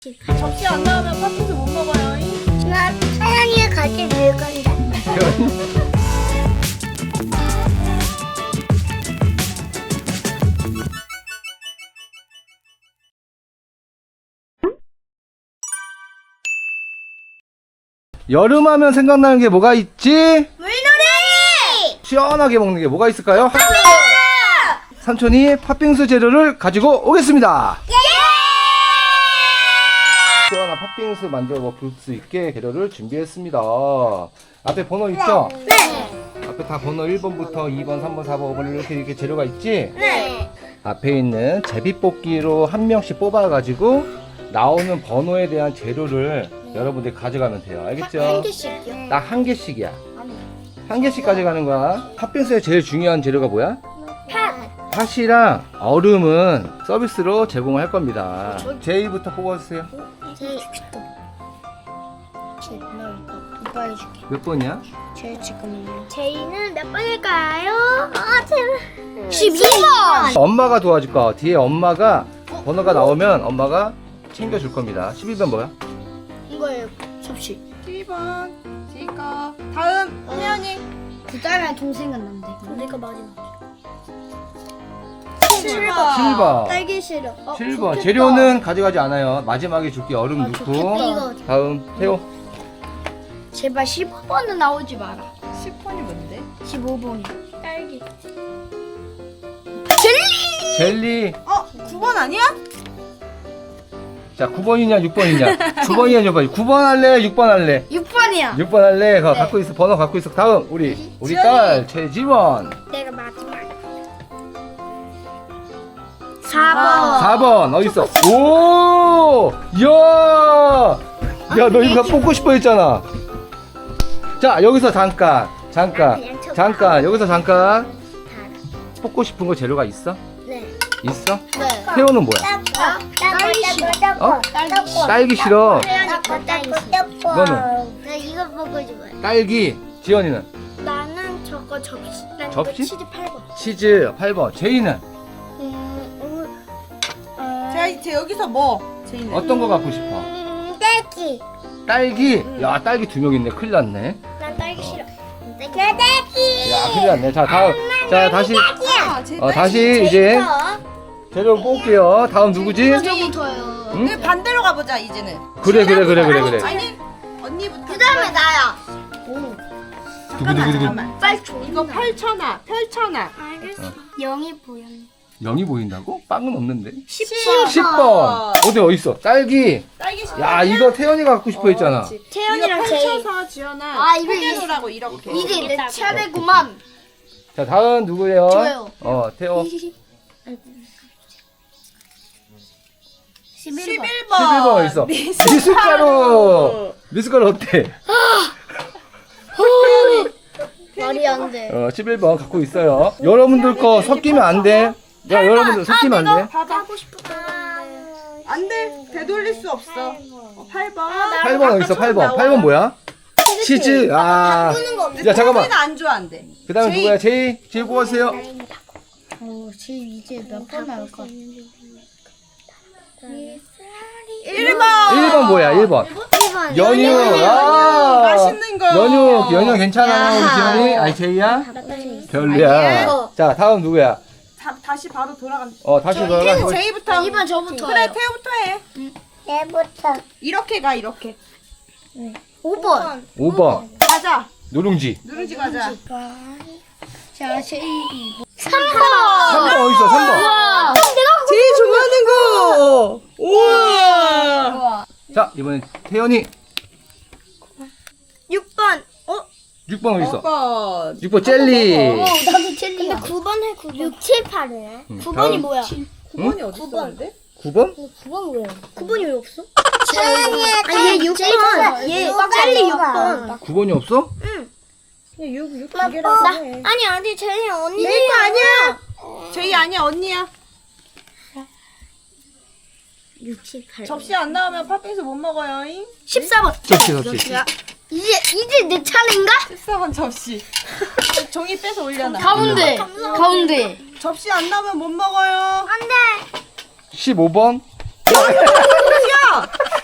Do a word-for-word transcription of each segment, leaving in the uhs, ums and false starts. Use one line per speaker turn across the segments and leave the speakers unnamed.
접시 안 나오면 팥빙수 못 먹어요.
나 사랑이가 같이 놀 건데.
여름하면 생각나는 게 뭐가 있지?
물놀이!
시원하게 먹는 게 뭐가 있을까요?
팥빙수!
삼촌이 팥빙수 재료를 가지고 오겠습니다.
예!
시원한 팥빙수 만들어 먹을 수 있게 재료를 준비했습니다. 앞에 번호 있죠?
네.
앞에 다 번호 일 번부터 이 번, 삼 번, 사 번, 오 번 이렇게 이렇게 재료가 있지?
네.
앞에 있는 제비뽑기로 한 명씩 뽑아가지고 나오는 번호에 대한 재료를 여러분들이 가져가면 돼요. 알겠죠?
한 개씩요?
딱 한 개씩이야. 한 개씩 가져가는 거야. 팥빙수의 제일 중요한 재료가 뭐야?
팥.
팥이랑 얼음은 서비스로 제공을 할 겁니다. 제이부터 뽑아주세요.
제일 오빠 해줄게.
몇 번이야?
제일 지금은요. 제이는 몇 번일까요? 아 제발. 십이 번.
엄마가 도와줄 거야. 뒤에 엄마가 번호가 나오면 엄마가 챙겨줄 겁니다. 십이 번 뭐야?
이거예요. 접시.
십이 번 지거. 다음 혜연이.
그 다음에 동생은 남대. 내가 마지막.
칠 번.
칠 번.
딸기 싫어. 어,
칠 번.
좋겠다.
재료는 가져가지 않아요. 마지막에 줄게 얼음
아,
넣고.
좋겠다. 이거.
다음 태호.
제발 십오 번은 나오지 마라.
십 번이 뭔데?
십오 번이. 딸기.
젤리.
어? 구 번 아니야?
자, 구 번이냐 육 번이냐? 구 번이냐 육 번. 구 번 할래? 육 번 할래?
육 번이야.
육 번 할래? 그거
네.
갖고 있어. 번호 갖고 있어. 다음 우리 우리
지연이.
딸 최지원.
내가 마지막. 사 번.
사 번 어디 있어? 오! 야! 야, 너 이거 뽑고 싶어 했잖아. 자, 여기서 잠깐. 잠깐.
그냥 쳐.
잠깐. 여기서 잠깐. 뽑고 싶은 거 재료가 있어?
네.
있어?
네.
태호는 뭐야?
딸기 싫어.
어?
딸기 싫어.
딸기 싫어.
혜연이 거 딸기 싫어.
너는?
나 이거 먹고 좋아해.
딸기. 지연이는?
나는 저거 접시. 난
접시?
이거 치즈 팔 번.
치즈 팔 번. 제이는?
음, 음,
제, 제 여기서 뭐? 제이는.
어떤 거 갖고 싶어?
음, 딸기.
딸기. 야, 딸기 두 명 있네. 큰일 났네.
난 딸기 싫어. 딸기. 내 딸기.
야, 큰일 났네. 자, 다음. 자, 다시.
아, 제
어, 다시 이제 재료 뽑을게요. 다음 누구지?
저부터요.
응?
그 반대로 가보자 이제는.
그래, 그래, 그래, 그래, 그래.
아니 언니부터.
그 다음에 나야. 오.
잠깐만 잠깐만.
빨리 줘.
이거 펼쳐놔 펼쳐놔.
알겠어. 영이 보여.
영이 보인다고? 빵은 없는데.
십
십 번. 어디 어딨어? 딸기.
딸기 싫어.
야, 이거 태연이가 갖고 싶어 했잖아.
태연이랑
이거
제이.
펼쳐서 지연아.
아, 이거
펴놓으라고 이렇게.
이게 내 차례구만.
자, 다음 누구예요?
저요.
어, 태호.
십일 번.
십일 번.
십일 번 어디 있어? 미숫가루. 미숫가루 어때?
말이 안 돼.
어, 십일 번 갖고 있어요. 여러분들 거 섞이면 안 돼. 야, 여러분들 섞이면 안 돼.
봐봐.
하고 싶었던 건데.
안 돼. 되돌릴 수 없어. 어, 팔 번.
팔 번 어디 있어? 팔 번. 팔 번 뭐야? 치즈. 아. 야, 잠깐만.
는 안 좋아한대.
그 다음에
제이.
누구야? 제이. 제이 뽑아주세요.
어, 지금 이제 몇 번 나올까?
일 번.
일 번 뭐야? 일 번.
일 번.
연유. 아.
맛있는 거.
연유. 연유 괜찮아. 우리 지연이. 아니, 제이야? 별로야.
아니야.
자, 다음 누구야?
다, 다시 바로 돌아간.
어, 다시 돌아가.
제이부터.
이 번 저부터.
그래 태우부터 해.
내부터.
이렇게 가 이렇게.
오 번.
오 번.
가자.
누룽지.
누룽지 가자.
자, 제이. 삼
삼
번.
번 어디 있어? 삼 번.
와.
제일 좋아하는 거. 우와.
자, 이번엔 태연이.
육 번. 어?
육 번 어디 있어?
번.
육 번 젤리.
나도 젤리야. 근데 구 번 해, 구 번. 육, 칠, 팔이네.
응,
구 번이
다음.
뭐야?
구 번이 어디 있었는데?
구 번?
구 번 왜? 구 번이 왜 없어? 아니, 얘 육 번. 얘 젤리 육 번.
구 번이 없어?
육, 육
나,
개라고
나,
해.
아니, 아니, 쟤네 언니.
제이 거 아니야. 제이 아니야 언니야.
육, 칠, 팔.
접시 안 나오면 팥빙수 못 먹어요.
십사 번.
접시, 접시.
이제, 이제 내 차례인가?
십사 번 접시. 종이 빼서 올려놔.
가운데. 가운데.
접시 안 나오면 못 먹어요.
안 돼.
십오 번.
야!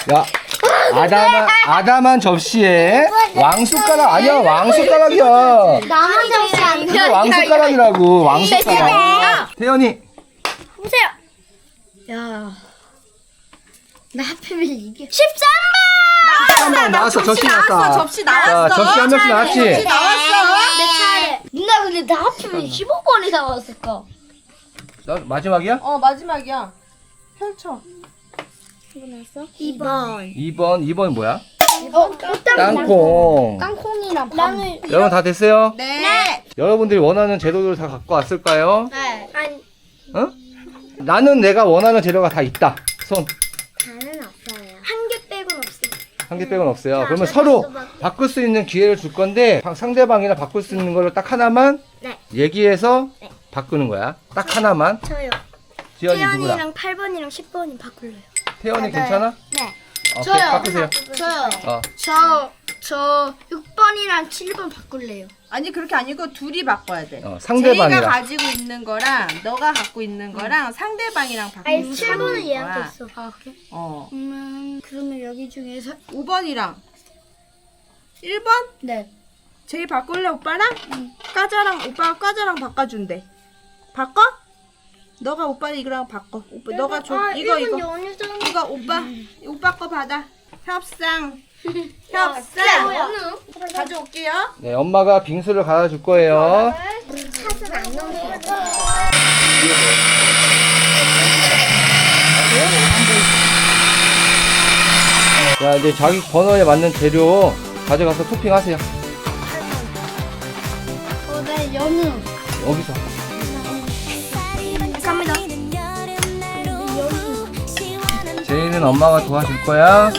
야, 아담한, 아담한 접시에 왕숟가락 아니야, 왕숟가락이야.
나만 접시 안 돼.
이거 왕숟가락이라고, 왕숟가락. 태연이.
보세요. 야. 나 하필이면 이게 십삼
나왔어, 나왔어, 접시 나왔다.
접시 나왔어.
자, 접시 한 명씩 나왔지?
접시 나왔어.
내 차례. 누나 근데 나 하필이면 십오 번이 나왔을까?
너 마지막이야?
어 마지막이야. 펼쳐.
이거 나왔어? 이 번.
이 번, 이 번 뭐야?
어,
땅콩.
땅콩이랑 빵을.
여러분 다 됐어요?
네.
여러분들이 원하는 재료들을 다 갖고 왔을까요?
네. 아니,
어? 나는 내가 원하는 재료가 다 있다. 손.
다는 없어요. 한 개 빼곤 없어요.
한 개 빼곤 없어요. 그러면 서로 바꿀 수 있는 기회를 줄 건데 방- 상대방이랑 바꿀 수 있는 걸로 딱 하나만
네.
얘기해서
네.
바꾸는 거야. 딱 하나만.
저요.
지연이 누구랑?
태연이랑 팔 번이랑 십 번이 바꿀래요.
태연이 괜찮아?
네.
오케이, 바꾸세요.
저요.
어.
저, 저 육 번이랑 칠 번 바꿀래요.
아니 그렇게 아니고 둘이 바꿔야 돼.
어,
제이가
상대방이랑.
가지고 있는 거랑 너가 갖고 있는 거랑 상대방이랑 바꾸는
아니, 칠 번은 얘한테 있어. 아, 그래?
어.
그러면, 그러면 여기 중에서.
오 번이랑 일 번?
네.
제이 바꿀래 오빠랑? 과자랑 오빠가 과자랑 바꿔준대. 바꿔? 너가 오빠 이거랑 바꿔. 오빠 너가 줘.
아,
이거
일 번
이거.
연유전.
이거 오빠. 오빠 거 받아. 협상.
야,
협상. 가져올게요.
네, 엄마가 빙수를 갖다 줄 거예요.
샷은 안 넣으세요.
자, 이제 자기 번호에 맞는 재료 가져가서 토핑하세요.
어, 네, 연유.
여기서.
갑니다.
제이는 엄마가 도와줄 거야.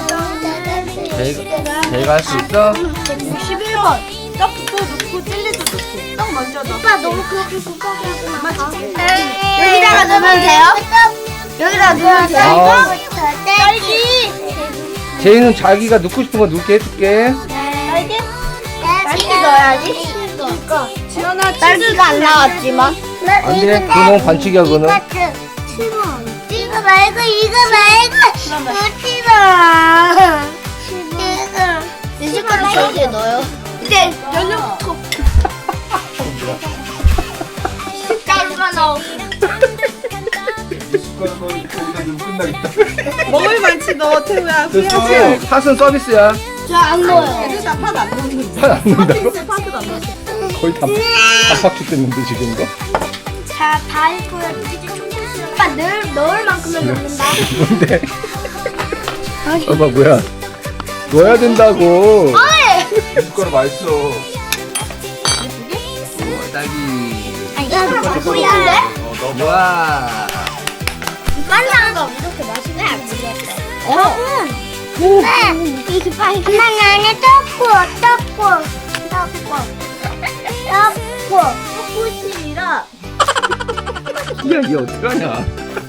제이가, 제이가 할 수 있어?
백육십일 번.
떡도 넣고 젤리도 넣고. 떡 먼저 넣고.
오빠 너무 그렇게 급하게 하지 마.
여기다가 넣으면 돼요?
여기다가 넣으면 돼요?
어.
딸기.
제이는 자기가 넣고 싶은 거 넣게 해줄게.
딸기? 딸기 넣어야지. 그러니까.
지연아
딸기가 안 나왔지만.
안 돼. 그거 너무 반칙이야, 그거는.
이거 말고 이거 말고 넣지 마. 이거. 내 숟가락 저기에 넣어요. 근데 연유부터. 딸기가 나오.
먹을 만치 넣어 태우야.
됐어. 팥은 서비스야.
저안 넣어요.
얘들 다팥안 넣는
팥 안 넣는다고?
팥을 안 넣어.
거의 다 밥박죽 됐는데, 지금 이거?
자, 다 했고요. 이제 조금씩. 오빠 넣을, 넣을 만큼은 넣는다.
뭔데? 엄마, 뭐야? 넣어야 된다고. 숟가락 맛있어. 우와, 딸기.
야, 이거 뿌리는데?
우와.
빨라. 이렇게 맛있게 안 들렸어. 여러분. 네. 이게 빨리. 엄마, 나는 떡고, 떡고, 떡고. 떡고. 떡고집이라.
야, 얘 어떡하냐?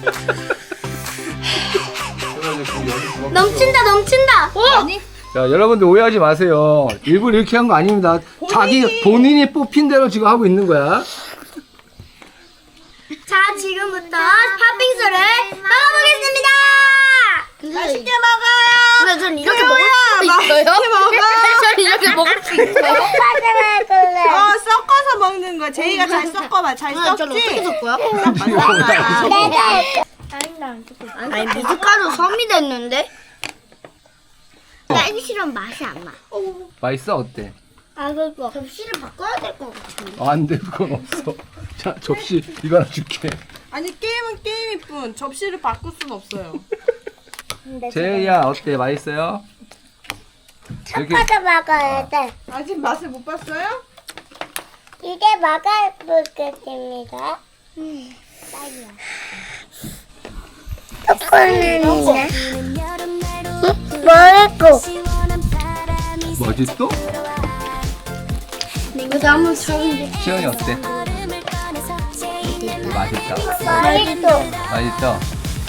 넘친다, 넘친다.
아니
자, 여러분들 오해하지 마세요. 일부러 이렇게 한 거 아닙니다. 자기 본인이 뽑힌 대로 지금 하고 있는 거야.
자, 지금부터 팥빙수를 먹어보겠습니다.
맛있게 먹어요.
근데 전 이렇게 먹을 수 있어요?
맛있게 먹어.
전 이렇게 먹을 수 있어요?
어 섞어서 먹는 거. 제이가 잘 섞어봐. 잘
전 어떻게
섞지?
섞어요? 아니, 미숫가루 섬이 됐는데? 딸기 싫으면 맛이 안 나.
맛있어? 어때?
아, 그거 접시를 바꿔야 될 것 같은데.
어, 안 돼, 그건 없어. 자, 접시 이거 하나 줄게.
아니 게임은 게임일 뿐 접시를 바꿀 순 없어요.
제이야, 어때? 맛있어요? 이렇게
섞어서 먹어야 돼.
아직 맛을 못 봤어요?
이제 먹어보겠습니다. 음, 딸기야. 초콜릿인데? 뭐였고?
뭐지 또?
이거 너무 좋은데.
시연이 어때? 맛있다.
맛있어.
맛있죠?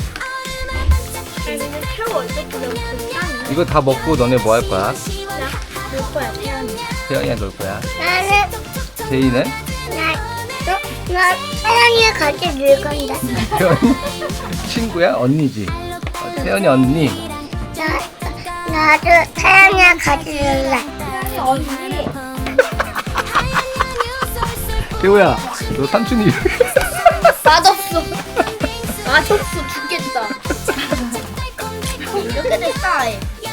새우 어떻게 넣고
이거 다 먹고 너네 뭐 할 거야?
넣을 거야, 태연이.
태연이랑 놀 거야.
나는,
제이는?
나, 너, 나 태연이랑 같이 놀 건데.
태연이? 친구야? 언니지? 어, 태연이 언니.
나 나도 태양이랑 같이 놀래.
태호야, 너 삼촌이
맛없어. 맛없어 죽겠다. 이렇게 됐다.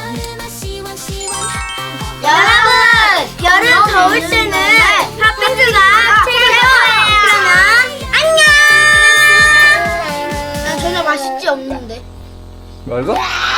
여러분, 여름 더울 때는 팥빙수가 최고예요. 그러면 안녕. 난 전혀 맛있지 없는데.
말고?